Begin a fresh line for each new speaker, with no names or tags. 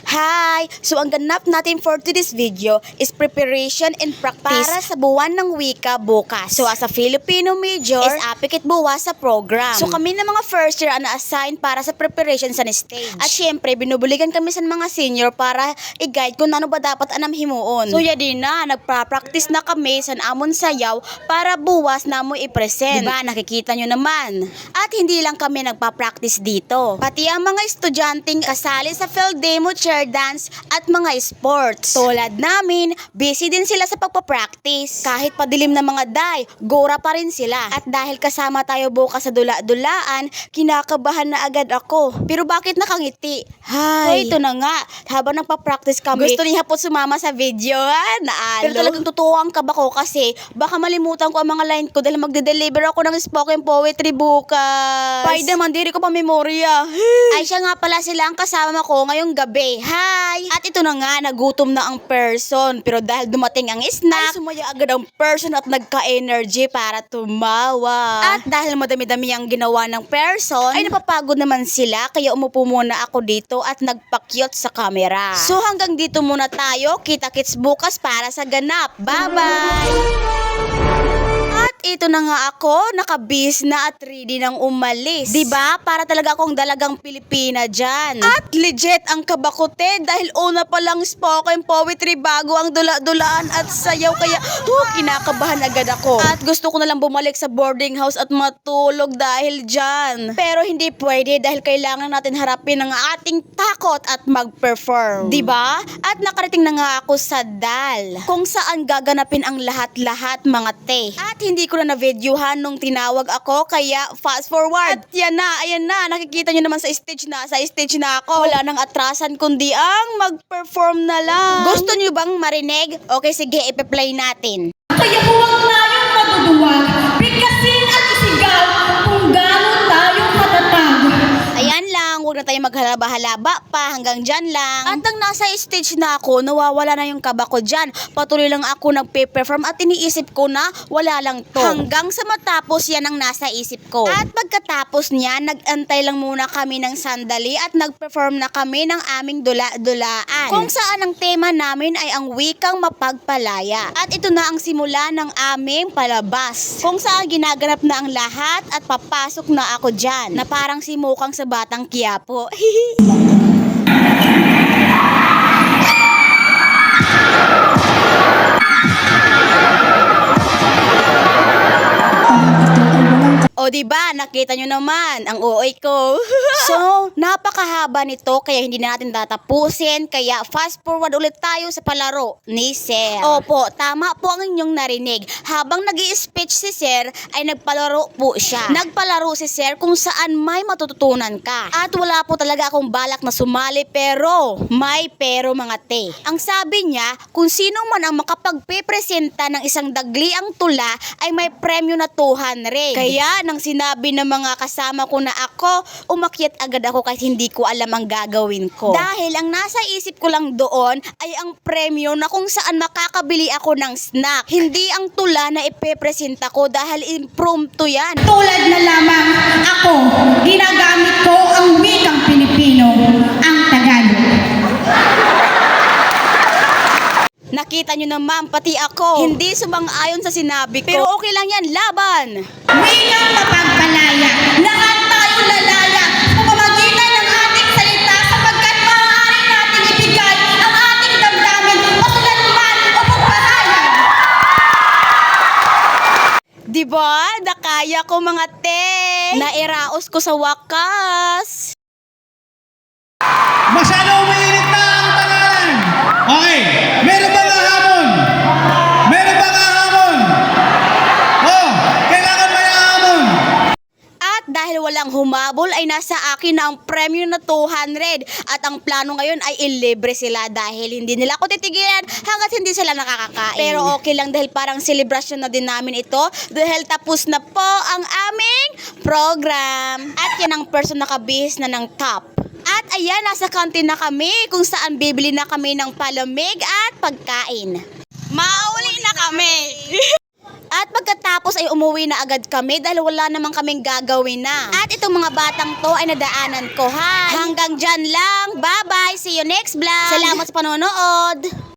Hi! So ang ganap natin for today's video is preparation and practice para sa buwan ng wika bukas. So as a Filipino major, is apikit buwas sa program. So kami na mga first year ang na-assign para sa preparation sa stage. At syempre, binubuligan kami sa mga senior para i-guide kung ano ba dapat anam himuon. So yadi na, nagpa-practice na kami sa amon sayaw para buwas na mo i-present. Diba, nakikita nyo naman. At hindi lang kami nagpa-practice dito. Pati ang mga estudyanteng kasali sa field demo, chair dance at mga sports. Tulad namin, busy din sila sa pagpa-practice. Kahit padilim na mga day, gora pa rin sila. At dahil kasama tayo bukas sa dula-dulaan, kinakabahan na agad ako. Pero bakit nakangiti? Hay! So ito na nga, habang nagpa-practice kami, gusto niya po sumama sa video, ha? Naalo. Pero talagang totoo ang kaba ko kasi baka malimutan ko ang mga line ko dahil magde-deliver ako ng spoken poetry bukas. Pay naman, diri ko pa memorya. Ay siya nga pala sila ang kasama ko ngayong gabi. Hi! At ito na nga, nagutom na ang person. Pero dahil dumating ang snack, ay sumaya agad ang person at nagka-energy para tumawa. At dahil madami-dami ang ginawa ng person, ay napapagod naman sila. Kaya umupo muna ako dito at nagpakyot sa camera. So hanggang dito muna tayo. Kita-kits bukas para sa ganap. Bye-bye! At ito na nga ako, nakabis na at ready nang umalis. Diba? Para talaga akong dalagang Pilipina dyan. At legit ang kabakote dahil una pa lang spoken poetry bago ang dula-dulaan at sayaw. Kaya kinakabahan agad ako. At gusto ko na lang bumalik sa boarding house at matulog dahil dyan. Pero hindi pwede dahil kailangan natin harapin ang ating takot at mag-perform. Diba? At nakarating na nga ako sa DAL, kung saan gaganapin ang lahat-lahat mga te. At hindi ko na na-videohan nung tinawag ako, kaya fast forward. At yan na, ayan na, nakikita nyo naman sa stage na ako. Wala nang atrasan kundi ang mag-perform na lang. Gusto nyo bang marinig? Okay, sige, ipe-play natin.
Kaya huwag tayong maduduwag, bigkasin at isigaw kung gano'n tayo katatag.
Ayan lang, huwag na tayo maghalaba-halaba pa, hanggang dyan lang. At nang nasa stage na ako, nawawala na yung kaba ko dyan. Patuloy lang ako nagpe-perform at iniisip ko na wala lang to. Hanggang sa matapos yan ang nasa isip ko. At pagkatapos niya, nag-antay lang muna kami ng sandali at nag-perform na kami ng aming dula-dulaan. Kung saan ang tema namin ay ang wikang mapagpalaya. At ito na ang simula ng aming palabas. Kung saan ginaganap na ang lahat at papasok na ako dyan. Na parang simukang sa Batang Quiapo. O diba, nakita nyo naman ang OA ko. So, napakahaba nito kaya hindi na natin tatapusin. Kaya fast forward ulit tayo sa palaro ni Sir. Opo, tama po ang inyong narinig. Habang nag-i-speech si Sir, ay nagpalaro po siya. Nagpalaro si Sir kung saan may matututunan ka. At wala po talaga akong balak na sumali pero may pero mga te. Ang sabi niya, kung sino man ang makapagpipresenta ng isang dagliang tula ay may premyo na 200. Kaya nang sinabi ng mga kasama ko na ako, umakyat agad ako kahit hindi ko alam ang gagawin ko. Dahil ang nasa isip ko lang doon ay ang premyo na kung saan makakabili ako ng snack. Hindi ang tula na ipepresenta ko dahil impromptu yan.
Tulad na lamang ako, ginagamit ko ang wikang Pilipino, ang Tagalog.
Nakita nyo naman, pati ako, hindi sumang-ayon sa sinabi ko. Pero okay lang yan, laban!
Wikang mapagpalaya, lahat tayo lalaya, sa pamamagitan ng ating salita sapagkat maaari nating ibigay ang ating damdamin, pasulan man o pagpahayag.
Diba? Nakaya ko mga te! Nairaos ko sa wakas!
Masyado umiinit na ang tangalan. Okay, meron ba nga hamon? Meron ba nga hamon? Oh, kailangan may hamon.
At dahil walang humabol ay nasa akin na ang premyo na 200. At ang plano ngayon ay ilibre sila dahil hindi nila ako titigilan hanggat hindi sila nakakakain. Pero okay lang dahil parang celebration na din namin ito dahil tapos na po ang aming program. At yan ang person nakabihis na ng top. At ayan, nasa kantin na kami kung saan bibili na kami ng palamig at pagkain. Mauli na kami! At pagkatapos ay umuwi na agad kami dahil wala namang kaming gagawin na. At itong mga batang to ay nadaanan ko. Hanggang dyan lang. Bye-bye. See you next vlog. Salamat sa panonood.